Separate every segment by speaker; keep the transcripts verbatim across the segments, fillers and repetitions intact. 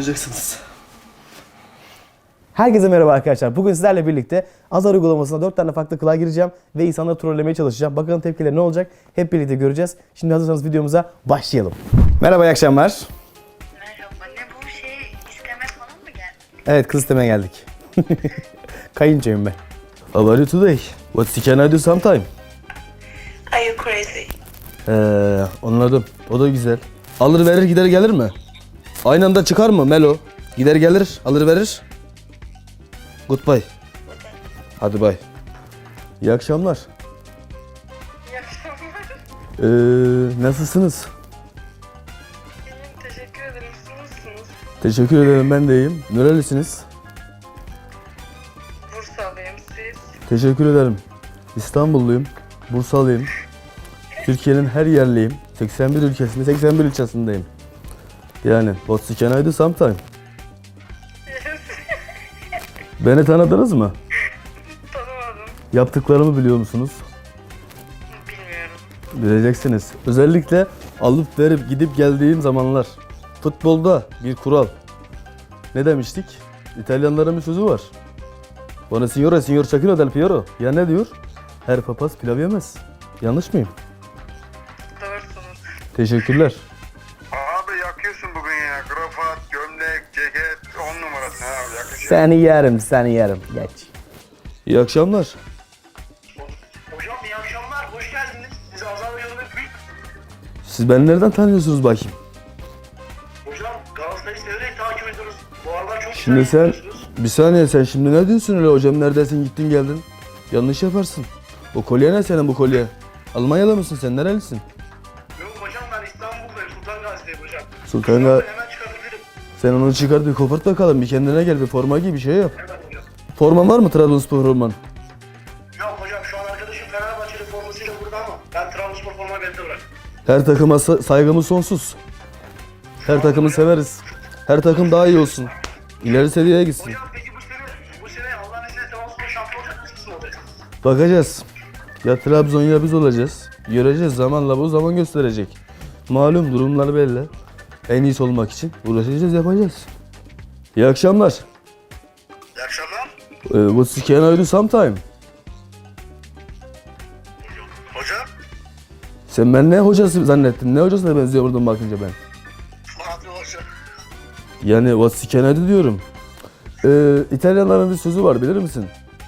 Speaker 1: oynayacaksınız.
Speaker 2: Herkese merhaba arkadaşlar. Bugün sizlerle birlikte Azar uygulamasına dört tane farklı kılığa gireceğim ve insanları trollemeye çalışacağım. Bakalım tepkileri ne olacak? Hep birlikte göreceğiz. Şimdi hazırsanız videomuza başlayalım. Merhaba, iyi akşamlar.
Speaker 3: Merhaba, ne bu şey isteme falan mı geldi?
Speaker 2: Evet, kız istemeye geldik. Kayınçoyum ben. How are you today? What can I do sometime?
Speaker 3: Are you crazy?
Speaker 2: Ee, anladım. O da güzel. Alır verir gider gelir mi? Aynı anda çıkar mı Melo? Gider gelir, alır verir. Goodbye. Hadi bye. İyi akşamlar.
Speaker 3: İyi akşamlar.
Speaker 2: Ee, nasılsınız?
Speaker 3: İyiyim, teşekkür ederim. Siz nasılsınız?
Speaker 2: Teşekkür ederim, ben de iyiyim. Nerelisiniz?
Speaker 3: Bursalıyım, siz?
Speaker 2: Teşekkür ederim. İstanbulluyum. Bursalıyım. Türkiye'nin her yerliyim. seksen bir ülkesinde, seksen bir ilçesindeyim. Yani what's can I do sometime? Beni tanıdınız mı?
Speaker 3: Tanımadım.
Speaker 2: Yaptıklarımı biliyor musunuz?
Speaker 3: Bilmiyorum.
Speaker 2: Bileceksiniz. Özellikle alıp verip gidip geldiğim zamanlar. Futbolda bir kural. Ne demiştik? İtalyanların bir sözü var. Bana signore, signor Çakino del Piero. Ya ne diyor? Her papaz pilav yemez. Yanlış mıyım?
Speaker 3: Doğrusunuz.
Speaker 2: Teşekkürler.
Speaker 4: Abi yakıyorsun bugün ya. Krafat, gömlek, ceket, on numarası abi yakışıyor.
Speaker 2: Seni yerim, seni yerim. Geç. İyi akşamlar.
Speaker 5: Hocam iyi akşamlar, hoş geldiniz. Sizi Azar ve Yolunda büyük...
Speaker 2: Siz beni nereden tanıyorsunuz bakayım?
Speaker 5: Hocam Galatasaray'ı severek takip ediyoruz. Bu aralar çok
Speaker 2: Şimdi
Speaker 5: güzel
Speaker 2: sen,
Speaker 5: yapıyorsunuz.
Speaker 2: bir saniye, sen şimdi ne diyorsun öyle? Hocam neredesin, gittin geldin? Yanlış yaparsın. O kolye ne senin, bu kolye? Almanyalı mısın sen, nerelisin?
Speaker 5: Yok hocam, ben İstanbul'dayım, Sultan Gazi'deyim hocam.
Speaker 2: Sultan
Speaker 5: Hocam,
Speaker 2: Ga-
Speaker 5: ben hemen çıkabilirim.
Speaker 2: Sen onu çıkar bir kopart bakalım, bir kendine gel, bir forma giy, bir şey yap.
Speaker 5: Evet hocam.
Speaker 2: Forman var mı, Trabzonspor forman?
Speaker 5: Yok hocam, şu an arkadaşım Fenerbahçeli formasıyla burada ama ben Trabzonspor formayı bende bırak.
Speaker 2: Her takıma sa- saygımız sonsuz. Her takımı severiz. Her takım daha iyi olsun. İleri seviyeye gitsin.
Speaker 5: Hocam peki bu sene, bu sene Allah'ın izniyle Trabzonspor şampiyon olacak mısınız mı olacak?
Speaker 2: Bakacağız. Ya Trabzon ya biz olacağız. Göreceğiz, zamanla bu zaman gösterecek. Malum durumlar belli. En iyisi olmak için uğraşacağız, yapacağız. İyi akşamlar.
Speaker 5: İyi akşamlar.
Speaker 2: Ee, What can I do sometime?
Speaker 5: Hocam.
Speaker 2: Sen ben ne hocası zannettin? Ne hocasına benziyor buradan bakınca ben?
Speaker 5: Fatih hocam.
Speaker 2: Yani what can I do diyorum. Ee, İtalyanların bir sözü var, bilir misin?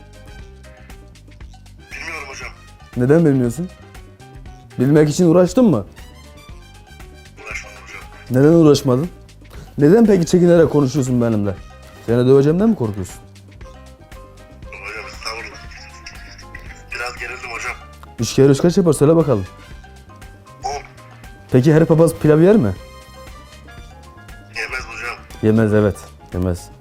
Speaker 5: Bilmiyorum hocam.
Speaker 2: Neden bilmiyorsun? Bilmek için uğraştın mı?
Speaker 5: Uğraşmadım hocam.
Speaker 2: Neden uğraşmadın? Neden peki çekinerek konuşuyorsun benimle? Seni döveceğimden mi korkuyorsun?
Speaker 5: Hocam estağfurullah. Biraz gerildim hocam.
Speaker 2: Üç kere üç kaç yapar, söyle bakalım.
Speaker 5: On.
Speaker 2: Peki her papaz pilav yer mi?
Speaker 5: Yemez hocam.
Speaker 2: Yemez, evet. Yemez.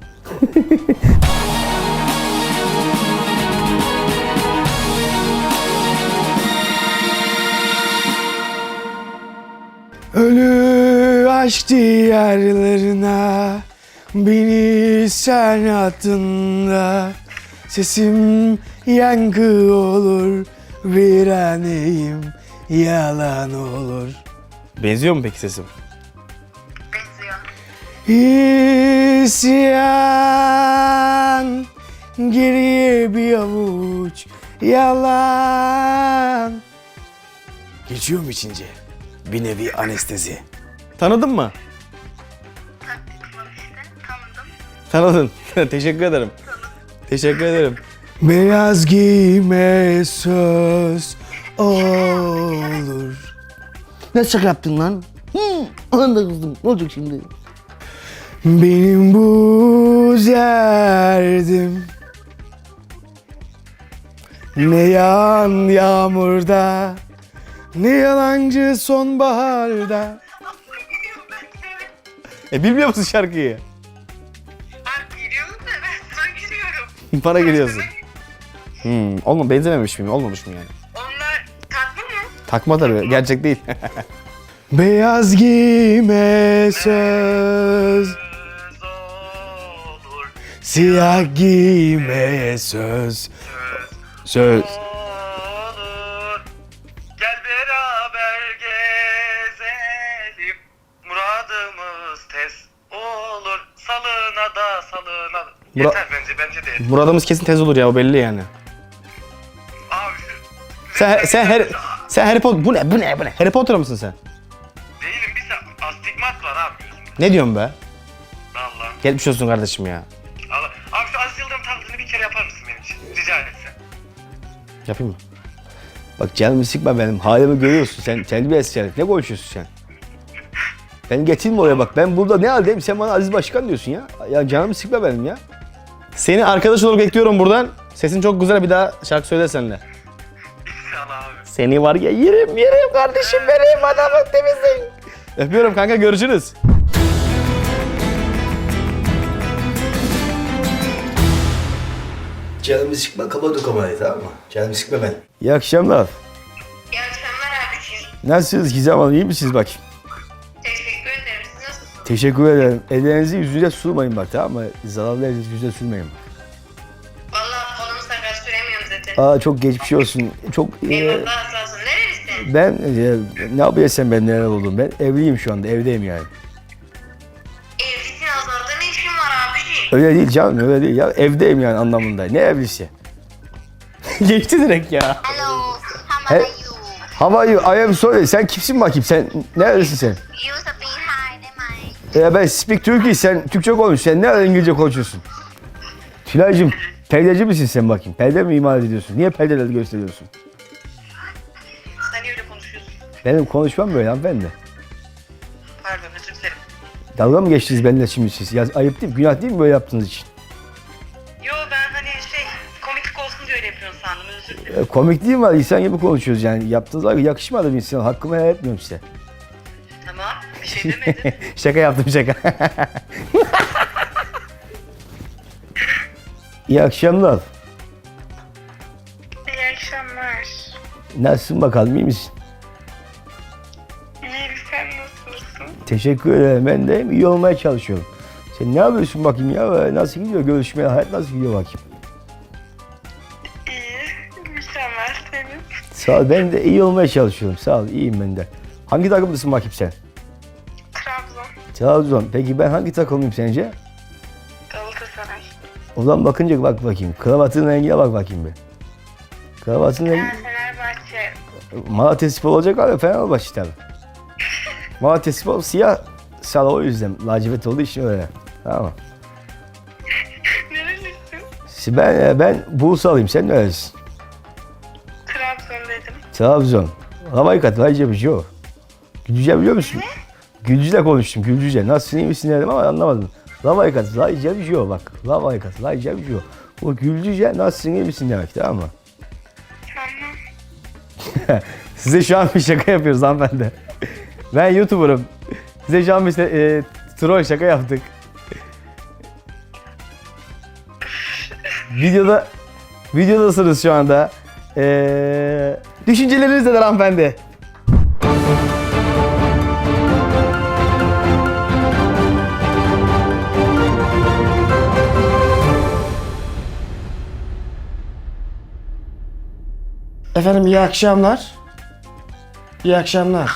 Speaker 2: Ölü aşk diyarlarına beni sen attığında sesim yankı olur, viraneyim yalan olur. Benziyor mu peki sesim?
Speaker 3: Benziyor.
Speaker 2: İsyan, geriye bir avuç yalan. Geçiyorum içince bir nevi anestezi. Tanıdın mı?
Speaker 3: Taktik var işte, tanıdım.
Speaker 2: Tanıdın. Teşekkür ederim. Teşekkür ederim. Beyaz giyme söz olur. Ne şaka yaptın lan? Hı, anda kızdım. Ne olacak şimdi? Benim bu derdim ne yağan yağmurda, ne yalancı sonbaharda. E bilmiyor musun şarkıyı?
Speaker 3: Ben giriyorum da ben sana giriyorum.
Speaker 2: Bana giriyorsun. Hmm, olma, benzememiş miyim? Olmamış mı yani?
Speaker 3: Onlar tatlı mı?
Speaker 2: Takma tabii, gerçek değil. Beyaz giyme söz,
Speaker 5: Söz olur.
Speaker 2: siyah giyme söz. Söz.
Speaker 5: Olur. Gel beraber gezelim. Muradımız tez olur.
Speaker 2: Mura-
Speaker 4: Yeter bence bence de yeter.
Speaker 1: Muradımız kesin tez olur ya, o belli yani.
Speaker 4: Abi şu...
Speaker 1: Sen sen her sen Harry Potter bu ne bu ne bu ne? Harry Potter mısın sen?
Speaker 4: Değilim bir sa- astigmat var abi gözümde.
Speaker 1: Ne diyorsun be?
Speaker 4: Valla.
Speaker 1: Gelmiş olsun kardeşim ya.
Speaker 4: Allah. Abi şu Aziz Yıldırım taklidini bir kere yapar mısın benim için? Rica etsem.
Speaker 1: Yapayım mı?
Speaker 2: Bak canımı sıkma benim. Halimi görüyorsun. Sen terbiyesiz herif. Ne konuşuyorsun sen? Beni getirme oraya bak. Ben burada ne haldeyim? Sen bana Aziz Başkan diyorsun ya. Ya canımı sıkma benim ya.
Speaker 1: Seni arkadaş olarak bekliyorum buradan. Sesin çok güzel, bir daha şarkı söyle seninle.
Speaker 4: İnşallah abi.
Speaker 1: Seni var ya yerim yerim kardeşim benim, adamı temizleyin. Öpüyorum kanka, görüşürüz.
Speaker 2: Canımı sıkma. Kapadı kamerayı, tamam mı? Canımı sıkma ben. İyi akşamlar.
Speaker 3: İyi akşamlar abiciğim.
Speaker 2: Nasılsınız Gizem Hanım? İyi misiniz bakayım?
Speaker 3: Teşekkür ederim. Siz nasılsınız?
Speaker 2: Teşekkür ederim. Ellerinizi yüzüne sürmeyin bak, tamam mı? Zararlı elinizi yüzüne sürmeyin bak.
Speaker 3: Vallahi kolumu sakat süremiyorum zaten.
Speaker 2: Aa çok geçmiş olsun. Çok e,
Speaker 3: Eyvallah sağ olsun. Nerelisin?
Speaker 2: ben e, ne yapıyorsun ben neler oldum? Ben evliyim şu anda. Evdeyim yani.
Speaker 3: Evlisin azalda ne işin var abiciğim?
Speaker 2: Öyle değil canım, öyle değil ya. Evdeyim yani anlamında. Ne evlisi?
Speaker 1: Geçti direkt ya.
Speaker 3: Hello.
Speaker 2: He-
Speaker 3: How are you?
Speaker 2: How are you? I am sorry. Sen kimsin bakayım? Sen neredesin sen?
Speaker 3: You speak hiได้ไหม?
Speaker 2: Ya ben speak Turkish. Sen Türkçe konuş. Sen ne İngilizce konuşuyorsun? Tülay'cığım perdeci misin sen bakayım? Perde mi imal ediyorsun? Niye perdeleri gösteriyorsun?
Speaker 3: Sen niye öyle konuşuyorsun?
Speaker 2: Benim konuşmam böyle hanımefendi.
Speaker 3: Pardon özür dilerim.
Speaker 2: Dalga mı geçtiniz benimle şimdi siz? Ya, ayıp değil mi? Günah değil mi böyle yaptığınız için?
Speaker 3: Yo ben hani şey komiklik olsun diye öyle yapıyorsun sandım özür dilerim.
Speaker 2: E, komik değil mi? İnsan gibi konuşuyoruz yani. Yaptığınız hareket yakışmadı bir insan. Hakkımı helal etmiyorum size.
Speaker 3: Tamam bir şey demedim.
Speaker 1: Şaka yaptım şaka.
Speaker 2: İyi akşamlar.
Speaker 3: İyi akşamlar.
Speaker 2: Nasılsın bakalım, iyi misin?
Speaker 3: İyi sen nasılsın?
Speaker 2: Teşekkür ederim. Ben de iyi olmaya çalışıyorum. Sen ne yapıyorsun bakayım ya? Nasıl gidiyor görüşmeye? Hayat nasıl gidiyor bakayım?
Speaker 3: İyi. Mükemmel senin.
Speaker 2: Sağ ol. Ben de iyi olmaya çalışıyorum. Sağ ol. İyiyim ben de. Hangi takımlısın bakayım sen?
Speaker 3: Trabzon.
Speaker 2: Trabzon. Peki ben hangi takımlıyım sence?
Speaker 3: Galatasaray.
Speaker 2: O zaman bakınca bak bakayım. Kravatın rengine bak bakayım bir. Kravatın rengi...
Speaker 3: Ben Fenerbahçe.
Speaker 2: Malatyaspor olacak abi. Fenerbahçe tabii. Malatyaspor siyah sarı, o yüzden. Lacivert olduğu için öyle. Tamam.
Speaker 3: Nerelisin?
Speaker 2: Ben, ben Bursalıyım. Sen nerelisin?
Speaker 3: Trabzon dedim.
Speaker 2: Trabzon. Havayı kat. Hayca bir şey o. Gülcüce biliyor musun? Gülcüce konuştum. Gülcüce. Nasılsın, iyi misin dedim ama anlamadım. Lavayı kat. Hayca bir şey o bak. Lavayı kat. Hayca bir şey o. O Gülcüce nasılsın, iyi misin demek, tamam mı?
Speaker 3: Tamam.
Speaker 1: Size şu an bir şaka yapıyoruz hanımefendi. Ben YouTuber'ım. Size şu an bir e, troll şaka yaptık. Videoda videodasınız şu anda. Ee, düşünceleriniz neler hanımefendi?
Speaker 6: Efendim iyi akşamlar. İyi akşamlar.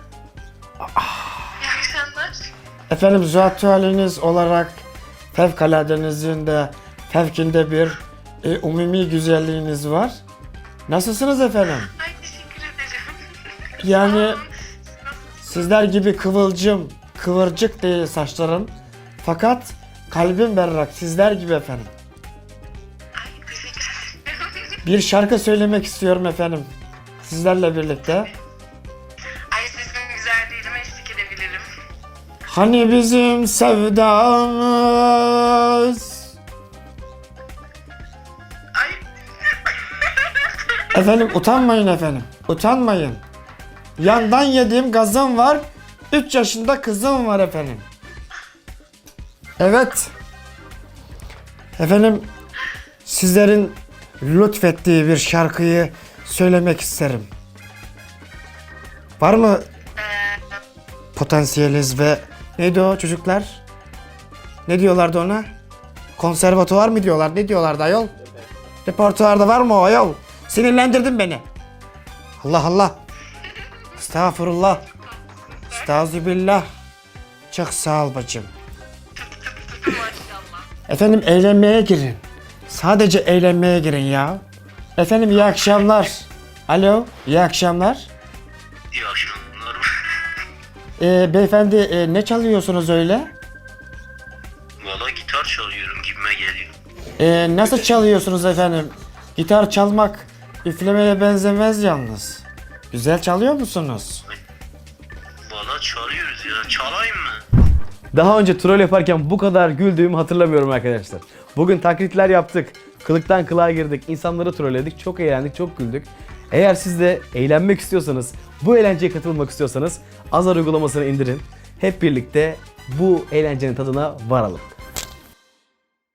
Speaker 3: İyi akşamlar.
Speaker 6: Efendim zat haliniz olarak fevkaladenizin de fevkinde bir e, umumi güzelliğiniz var. Nasılsınız efendim?
Speaker 3: Ay teşekkür ederim.
Speaker 6: Yani sizler gibi kıvılcım, kıvırcık değil saçlarım. Fakat kalbim berrak sizler gibi efendim.
Speaker 3: Ay teşekkür ederim.
Speaker 6: Bir şarkı söylemek istiyorum efendim. Sizlerle birlikte.
Speaker 3: Ay sesim güzel değil ama eşlik edebilirim.
Speaker 6: Hani bizim sevdamız.
Speaker 3: Ay.
Speaker 6: Efendim utanmayın efendim. Utanmayın. Yandan yediğim gazım var. üç yaşında kızım var efendim. Evet. Efendim sizlerin lütfettiği bir şarkıyı söylemek isterim. Var mı potansiyeliniz ve neydi o çocuklar? Ne diyorlardı ona? Konservatuvar mı diyorlar? Ne diyorlardı ayol? Repertuarda var mı o ayol? Sinirlendirdin beni. Allah Allah. Estağfurullah. Estağfirullah. Çok sağ ol bacım.
Speaker 3: Maşallah.
Speaker 6: Efendim eğlenmeye girin. Sadece eğlenmeye girin ya. Efendim iyi akşamlar. Alo, iyi akşamlar.
Speaker 5: İyi akşamlar.
Speaker 6: Ee, beyefendi e, ne çalıyorsunuz öyle?
Speaker 5: Valla gitar çalıyorum gibime geliyor.
Speaker 6: Ee, nasıl çalıyorsunuz efendim? Gitar çalmak üflemeye benzemez yalnız. Güzel çalıyor musunuz?
Speaker 5: Valla çalıyoruz ya. Çalayım mı?
Speaker 1: Daha önce troll yaparken bu kadar güldüğümü hatırlamıyorum arkadaşlar. Bugün taklitler yaptık. Kılıktan kılığa girdik. İnsanları trolledik. Çok eğlendik, çok güldük. Eğer siz de eğlenmek istiyorsanız, bu eğlenceye katılmak istiyorsanız Azar uygulamasını indirin. Hep birlikte bu eğlencenin tadına varalım.